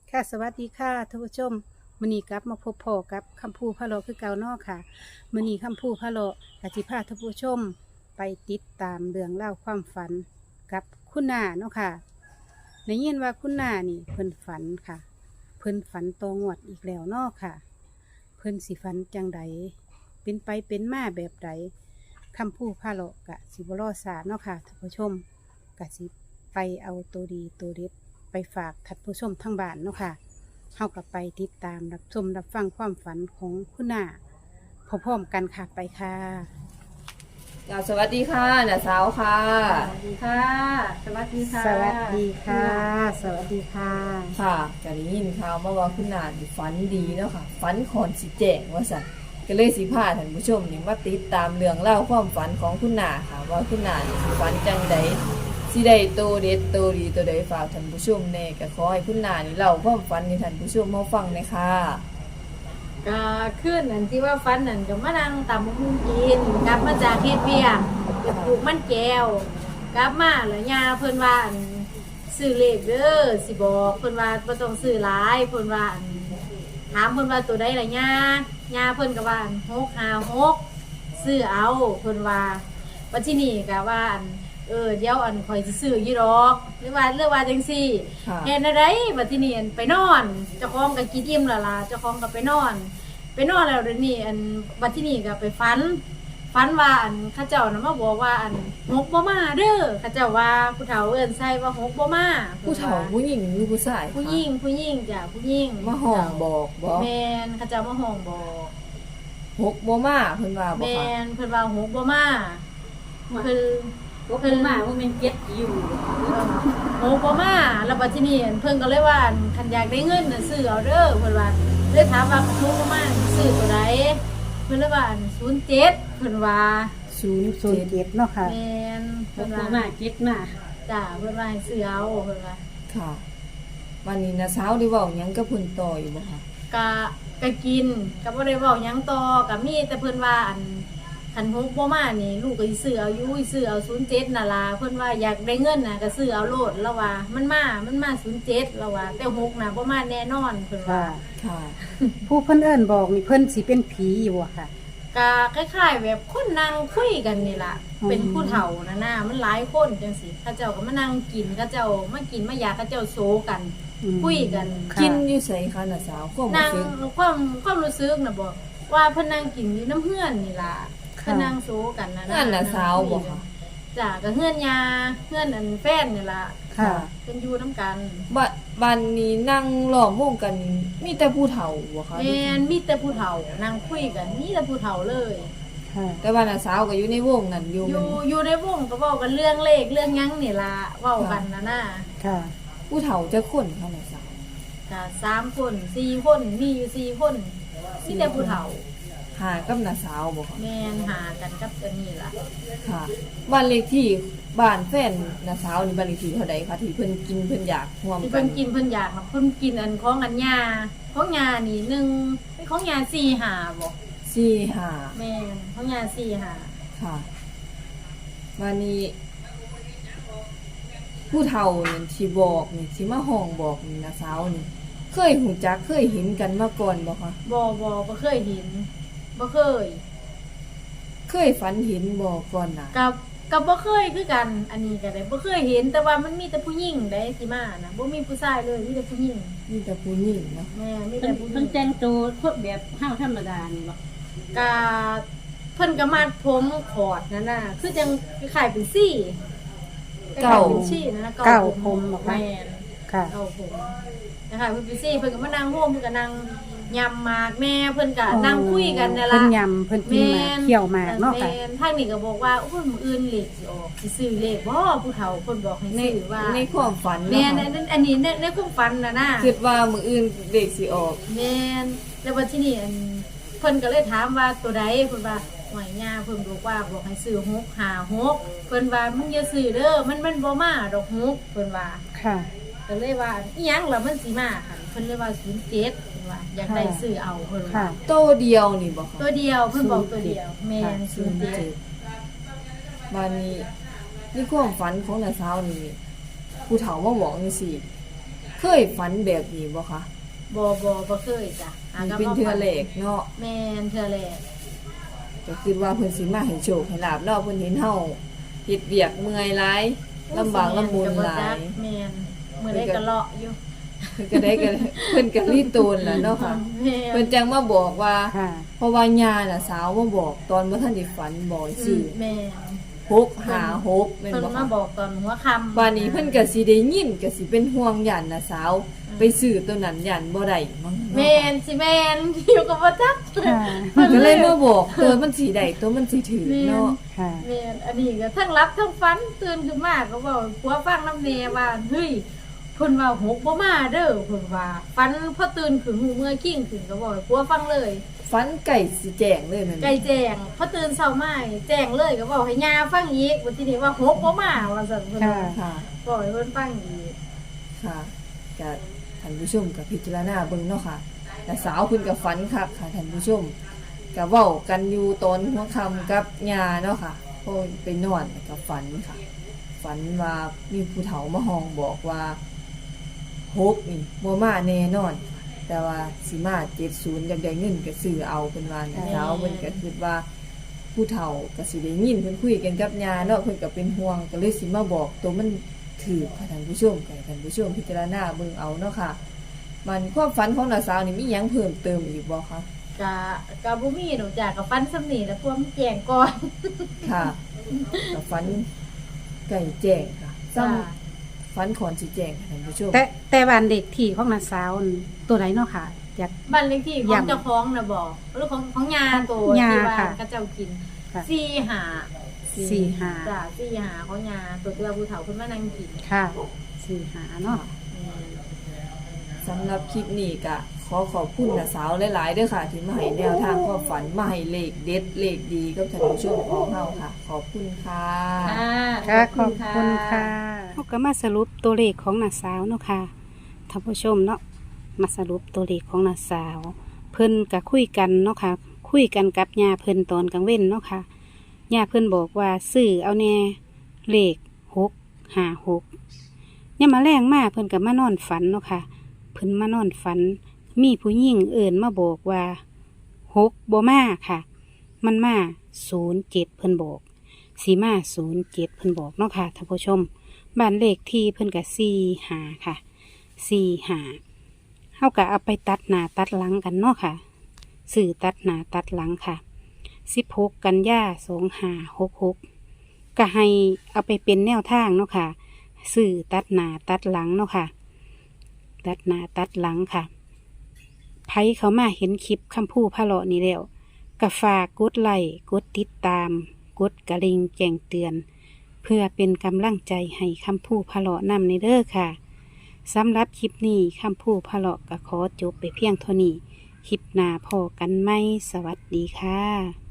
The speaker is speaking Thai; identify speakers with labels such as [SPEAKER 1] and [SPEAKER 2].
[SPEAKER 1] ค่ะสวัสดีค่ะท่านผู้ชมมื้อนี้กลับมาพบพ่อกับคำพูพะโลคือเก่าเนาะค่ะมื้อนี้คำพูพะโลกสิพาท่านผู้ชมไปติดตามเรื่องเล่าวความฝันกับคุณนาเนาะค่ะได้ยินว่าคุณนานี่เพิ่นฝันค่ะเพิ่นฝันตองวดอีกแล้วเนาะค่ะเพิ่นสิฝันจังใดเป็นไปเป็นมาแบบใดคำพูพะโลกะสิบรอสาเนาะค่ะท่านผู้ชมกะสิไปเอาตัวดีตัวเด็ดไปฝากท่านผู้ชมทั้งบ้านเนาะค่ะ เฮากับไปติดตามรับชมรับฟังความฝันของคุณนาพร้อมๆกันค่ะไปค่ะ
[SPEAKER 2] สวัสดีค่ะน้าสาวค่ะ
[SPEAKER 3] สวัสดีค่ะ สวัสดีค่ะ
[SPEAKER 1] สวัสดีค่ะ สวัสดีค่ะ
[SPEAKER 2] ค่ะก็ได้ยินข่าวมาว่าคุณนานี่ฝันดีเนาะค่ะฝันคอนสิแจ้งว่าสั่นก็เลยสิพาท่านผู้ชมนี่มาติดตามเรื่องเล่าวความฝันของคุณนาค่ะ ว่าคุณนานี่สิฝันจังใดสิได้โตเด็ดโตดีโตใดฝากท่านผู้ชมแน่ก็ขอให้คุณนานี่เล่าความฝันให้ท่านผู้ชมมาฟังเลยค่ะ
[SPEAKER 3] ก็ขึ้นอันที่ว่าฟันนั่นก็มานั่งตำบักหุ่งกินกลับมาจากเฮ็ดเวียกไปปลูกมันแก้วกลับมาแล้วย่าเพิ่นว่าอันซื้อเลขเด้อสิบอกเพิ่นว่าบ่ต้องซื้อหลายเพิ่นว่าอันถามเพิ่นว่าตัวใดล่ะย่าเพิ่นก็ว่าอัน656ซื้อเอาเพิ่นว่าบัดทีนี้ก็ว่าอันเดี๋ยวอันข่อยสิซื้ออยู่ดอกหรือว่าจังซี่
[SPEAKER 2] ค่ะ
[SPEAKER 3] เฮ็ดอะไรบัดทีนี้อันไปนอนเจ้าของก็กินอิ่มและล่ะเจ้าของก็ไปนอนแล้วเดี๋ยวนี้อันบัดทีนี้ก็ไปฝันว่าอันเขาเจ้าน่ะมาบอกว่าอันหกบ่มาเด้อเขาเจ้าว่าผู้เฒ่าเอิ้นใส่ว่าหกบ่มา
[SPEAKER 2] ผู้เฒ่าผู้หญิงหรือผู้ชายคะ
[SPEAKER 3] ผู้หญิงจ้ะผู้หญิง
[SPEAKER 2] มาห้องบอกบ่
[SPEAKER 3] แม่นเขาเจ้ามาห้องบอก
[SPEAKER 2] หกบ่มาเพิ่นว่าบ่
[SPEAKER 3] แม่
[SPEAKER 2] ค่ะ
[SPEAKER 3] นเพิ่นว่าหกบ่มาเพิ่น
[SPEAKER 1] ว่าเป็นมาว่าเป็นเก็ตอยู่
[SPEAKER 3] โอ้บ่มาแล้วบัดทีนี้เพิ่นก็เลยว่าคันอยากได้เงินน่ะซื้อเอาเด้อเพิ่นว่าเลยถามว่าหกบ่มาซื้อตัวใดเพิ่นเลยว่า07เพิ่นว่า
[SPEAKER 1] 007เนาะค่ะ
[SPEAKER 3] แม่น
[SPEAKER 1] เพิ่
[SPEAKER 3] เพิ่
[SPEAKER 1] น
[SPEAKER 3] น
[SPEAKER 1] ว่า
[SPEAKER 3] ว่า
[SPEAKER 1] มาเก็ตมา
[SPEAKER 3] จ้าเพิ่นว่าให้ซื้อเอาเพิ่นว่า
[SPEAKER 2] ค่ะ วันนี้น้าสาวได้เว้าหยังกับเพิ่นต่ออยู่บ่คะ
[SPEAKER 3] ก็กินก็บ่ได้เว้าหยังต่อก็มีแต่เพิ่นว่าอันคันหกบ่มานี่ลูกก็สิซื้อเอาอยู่ซื้อเอา07น่ะล่ะเพิ่นว่าอยากได้เงินน่ะก็ซื้อเอาโลดแล้วว่ามันมา07แล้วว่าแต่หกน่ะบ่มาแน่นอนเพิ่นว่า
[SPEAKER 1] ค่ะ
[SPEAKER 2] ค่ะ
[SPEAKER 1] ผู้เพิ่นเอิ้นบอกนี่เพิ่นสิเป็นผีอยู่อะค่ะ
[SPEAKER 3] ก็คล้ายๆแบบคนนั่งคุยกันนี่ล่ะ
[SPEAKER 1] อืม
[SPEAKER 3] เป็นผู้เฒ่านะมันหลายคนจังสิเขาเจ้าก็มานั่งกินเขาเจ้ามากินมายาเขาเจ้าโซกัน
[SPEAKER 1] อืม
[SPEAKER 3] คุยกัน
[SPEAKER 1] ค่ะ
[SPEAKER 2] กินอยู่ไสคะน้าสาวความ
[SPEAKER 3] นั่
[SPEAKER 2] รู้
[SPEAKER 3] ง
[SPEAKER 2] สึก
[SPEAKER 3] ความรู้สึกนะบอกว่าเพิ่นนั่งกินอยู่น้ำเฮือนนี่ล่ะ
[SPEAKER 1] ค่ะ
[SPEAKER 3] เพิ่นนั่งโซกันนะ
[SPEAKER 2] นั่นน่ะสาวบ่คะ
[SPEAKER 3] จ้ะก็เฮือนยาเฮือนอันแฟนนี่ล่ะ
[SPEAKER 1] ค่ะ
[SPEAKER 3] เพิ่นอยู่น้ำกัน
[SPEAKER 2] บ้านนี้นั่งล้อมวงกันนี่มีแต่ผู้เฒ่าบ่คะ
[SPEAKER 3] แม่นมีแต่ผู้เฒ่านั่งคุยกันมีแต่ผู้เฒ่าเลย
[SPEAKER 1] ค่ะ
[SPEAKER 2] แต่ว่าน้าสาวก็อยู่ในวงนั้นอยู่
[SPEAKER 3] อยู่ในวงก็เว้ากันเรื่องเลขเรื่องหยังนี่ล่ะเว้ากันนะ
[SPEAKER 1] ค่ะ
[SPEAKER 2] ผู้เฒ่าจะคนค่ะน้าสาว
[SPEAKER 3] จ้ะ3 คน 4 คนมีอยู่4คนมีแต่ผู้เฒ่า
[SPEAKER 2] หากับน้าสาวบ่คะ
[SPEAKER 3] แม่นหากันกับอันนี้ล่ะ
[SPEAKER 2] ค่ะบ้านเลขที่บ้านแฟนน้าสาวนี่บ้านเลขที่เท่าใดคะที่เพิ่นกินเพิ่นอยากร่วม
[SPEAKER 3] ที่
[SPEAKER 2] กั
[SPEAKER 3] เพิ่
[SPEAKER 2] น
[SPEAKER 3] นกินเพิ่นอยากเพิ่นกินอันของอันยาของยานี่หนึ่งเป็นของยา4 5บ่
[SPEAKER 2] 4-5
[SPEAKER 3] แม่นของยา4
[SPEAKER 2] ค่ะวันนี้ผู้เฒ่านี่ที่บอกนี่ที่มาห้องบอกนี่น้าสาวนี่ เคยหูจักเคยเห็นกันมาก่อนบ่คะ
[SPEAKER 3] 5บ่เคยเห็นบ่เคย
[SPEAKER 2] เคยฝันเห็นบ่ก่อนน่ะ
[SPEAKER 3] กับบ่เคยคือกัน อันนี้ก็ได้บ่เคยเห็นแต่ว่ามันมีแต่ผู้หญิงได้สิมานะบ่มีผู้ชายเลยมีแต่ผู้หญิง
[SPEAKER 2] มีแต่ผู้หญิงเนาะ
[SPEAKER 3] แม่มี
[SPEAKER 1] เพิ่
[SPEAKER 3] แต่
[SPEAKER 1] น
[SPEAKER 3] ผู้หญิ
[SPEAKER 1] เพิ่น
[SPEAKER 3] ง
[SPEAKER 1] แต่งตัวพวกแบบห้าวธรรมดานี่บ่
[SPEAKER 3] กะเพิ่นก็มัดผมขอดนั่นน่ะคือจังคล้ายๆเป็นซี่คล้ายๆเป็นซี่นะ
[SPEAKER 1] เก้าผมบอกว่า
[SPEAKER 3] แม่น
[SPEAKER 1] ค่ะ
[SPEAKER 3] เก้าผมนะคะเพิ่นไปซี่เพิ่นก็มานั่งร่วมเพิ่นก็นั่งยำหมากแม่เพิ่นก็นั่งคุยกันนั่น
[SPEAKER 1] เพิ่
[SPEAKER 3] ล่ะ
[SPEAKER 1] นยำเพิ่นกินหมากเคี่ยวหมากเนาะค่ะ
[SPEAKER 3] แม่นทางนี้ก็บอกว่าโอ้ยมื้ออื่นเลขสิออกสิซื้อเลขบ่ผู้เฒ่าเพิ่นบอกให้
[SPEAKER 2] ใน
[SPEAKER 3] ซื้อว่า
[SPEAKER 2] ในความฝัน
[SPEAKER 3] แม่
[SPEAKER 2] เนาะ
[SPEAKER 3] นอันนี้ในความฝันน่ะนะ
[SPEAKER 2] คิดว่ามื้ออื่นเด็กสิออก
[SPEAKER 3] แม่นแล้วบัดทีนี้อันเพิ่นก็เลยถามว่าตัวใดเพิ่นว่าหวยย่าเพิ่นบอกว่าบอกให้ซื้อ656เพิ่นว่ามึงอย่าซื้อเด้อมันบ่มาดอก6เพิ่นว่า
[SPEAKER 1] ค่ะ
[SPEAKER 3] ก็เลยว่าอีหยังล่ะมันสิมาคั่นเพิ่นเลยว่า07เพิ่นว่าอยากได้ซื้อเอาเพิ่น
[SPEAKER 1] ค่ะ
[SPEAKER 3] ว่า
[SPEAKER 2] โตเดียวนี่บ่คะ
[SPEAKER 3] ตัวเดียวเพิ่นบอกตัวเดียวแม่น07
[SPEAKER 2] บ้านนี้ในความฝันของน้าสาวนี่ผู้เฒ่ามาบอกจังซี่เคยฝันแบบนี้บ่คะ
[SPEAKER 3] บ่เคยจ้ะ
[SPEAKER 2] นี่เป็นเทื่อแรกเนาะ
[SPEAKER 3] แม่นเทื่อแรก
[SPEAKER 2] ก็คิดว่าเพิ่นสิมาให้โชคให้ลาบเนาะเพิ่นเห็นเฮาเฮ็ดเวียกเมื่อยหลายลำบากลำบนหลาย
[SPEAKER 3] แม่นมื้อใดก็เลาะอยู่
[SPEAKER 2] เพิ่นก็ได้ก็เพิ่นก็รีตูนล่ะเนาะค่ะ
[SPEAKER 3] แม่น
[SPEAKER 2] เพิ่นจังมาบอกว่า
[SPEAKER 1] ค่ะ
[SPEAKER 2] เพราะว่าญาน่ะสาวมาบอกตอนบ่ทันได้ฝันบอกชื่อ
[SPEAKER 3] แม่น
[SPEAKER 2] 656แม่น
[SPEAKER 3] เพิ่น
[SPEAKER 2] บ่
[SPEAKER 3] มา
[SPEAKER 2] คะ
[SPEAKER 3] บอกตอนหัวค่ำ
[SPEAKER 2] วันนี้เพิ่นก็สิได้ยินก็สิเป็นห่วงยันน่ะสาว ไปซื้อตัวนั้นยันบ่ได้มั้ง
[SPEAKER 3] แม่นสิแม่นอยู่กับบ่จัก
[SPEAKER 1] ค่ะ
[SPEAKER 2] เพิ่นก็เลยมาบอกตัวมันสิได้ตัวมันสิถือเนาะ
[SPEAKER 1] ค่ะ
[SPEAKER 3] แม่นอันนี้ก็ทั้งรับทั้งฝันตื่นขึ้นมาก็เว้าผัวฟังนำแน่ว่าเฮ้ยเพิ่นว่าหกบ่มาเด้อเพิ่นว่าฝันพอตื่นขึ้นหูเมื่อกิ้งขึ้นก็บอกให้ผัวฟังเลย
[SPEAKER 2] ฝันไก่สิแจ้งเลยแม่น
[SPEAKER 3] ไก่แจ้งพอตื่นเช้ามาแจ้งเลยก็บอกให้ย่าฟังอีกวันที่นี้ว่าหกบ่มาว่าซั่นเพิ่นว่า
[SPEAKER 2] ค่ะ
[SPEAKER 3] บอกให้เพิ่นฟังอีก
[SPEAKER 2] ค่ะก็ท่านผู้ชมก็พิจารณาเบิ่งเนาะค่ะแต่สาวเพิ่นก็ฝันคักค่ะท่านผู้ชมก็เว้ากันอยู่ตอนหัวค่ำกับย่าเนาะค่ะพอไปนอนก็ฝันค่ะ ฝันว่ามีผู้เฒ่ามาห้องบอกว่าหกนี่บ่มาแน่นอน แต่ว่าสิมา70อยากได้เงินก็ซื้อเอาเพิ่นว่านะสาวเพิ่นก็คิดว่า ผู้เฒ่าก็สิได้ยินเพิ่นคุยกันกับย่าเนาะเพิ่นก็เป็นห่วงก็เลยสิมาบอกตัวมันถือค่ะท่านผู้ชมก็ให้ท่านผู้ชมพิจารณาเบิ่งเอาเนาะค่ะ มันความฝันของน้าสาวนี่มีหยังเพิ่มเติมอีกบ่คะ
[SPEAKER 3] ก็บ่มีหนูจ้ะก็ฟันซ้ำนี่แล้วพวกมันแจ้งก่อน
[SPEAKER 2] ค่ะก็ฝันไก่แจ้งค่ะซ้
[SPEAKER 3] จ้ะ
[SPEAKER 2] ำฝันขอนสิแจ้งค่ะท่านผู้ชม
[SPEAKER 1] แต่บ้านเด็กที่ของน้าสาวนั่นตัวไหนเนาะค่ะอยาก
[SPEAKER 3] บ้านเลขที่ของ
[SPEAKER 1] ย้ำ
[SPEAKER 3] เจ้าของน่ะบอกหรือของยาตัว
[SPEAKER 1] ย่า
[SPEAKER 3] ที่ว่า
[SPEAKER 1] ค่ะ
[SPEAKER 3] เขาเจ้ากิน
[SPEAKER 1] ค่ะ
[SPEAKER 3] 45
[SPEAKER 1] 45
[SPEAKER 3] จ้ะ45ของยาตัวที่ว่าผู้เฒ่าเพิ่นมานั่งกิน
[SPEAKER 1] ค่ะ45เนาะ
[SPEAKER 2] สำหรับคลิปนี้ก็ขอขอบคุณน้าสาวหลายๆเด้อค่ะ ที่มาให้แนวทางความฝันมาให้เลขเด็ดเลขดีกับท่านผู้ชมของเฮาค่ะ ขอบคุณค่ะ
[SPEAKER 1] ค่ะขอบคุณค่ะเราก็มาสรุปตัวเลขของน้าสาวเนาะค่ะท่านผู้ชมเนาะมาสรุปตัวเลขของน้าสาว เพิ่นก็คุยกันเนาะค่ะ คุยกันกับย่าเพิ่นตอนกลางเว้นเนาะค่ะย่าเพิ่นบอกว่าซื้อเอาแน่เลข656ย่ามมาแรงมากเพิ่นก็มานอนฝันเนาะค่ะ เพิ่นมานอนฝัน มีผู้หญิงเอิ่นมาบอกว่า6บ่มาค่ะ มันมา07เพิ่นบอกสีมา07เพิ่นบอกเนาะค่ะท่านผู้ชมบ้านเลขที่เพิ่นก็45ค่ะ45เฮาก็เอาไปตัดหน้าตัดหลังกันเนาะค่ะสื่อตัดหน้าตัดหลังค่ะ16กันยา2566ก็ให้เอาไปเป็นแนวทางเนาะค่ะสื่อตัดหน้าตัดหลังเนาะค่ะ ตัดหน้าตัดหลังค่ะไผเขามาเห็นคลิปคำพูพะเลาะนี่แล้วก็ฝากกดไลค์กดติดตาม กดกระลิ่งแจ้งเตือน เพื่อเป็นกำลังใจให้คำพูพะเลาะนำในเด้อค่ะสำหรับคลิปนี้คำพูพะเลาะก็ขอจบไปเพียงเท่านี้คลิปหน้าพอกันไหมสวัสดีค่ะ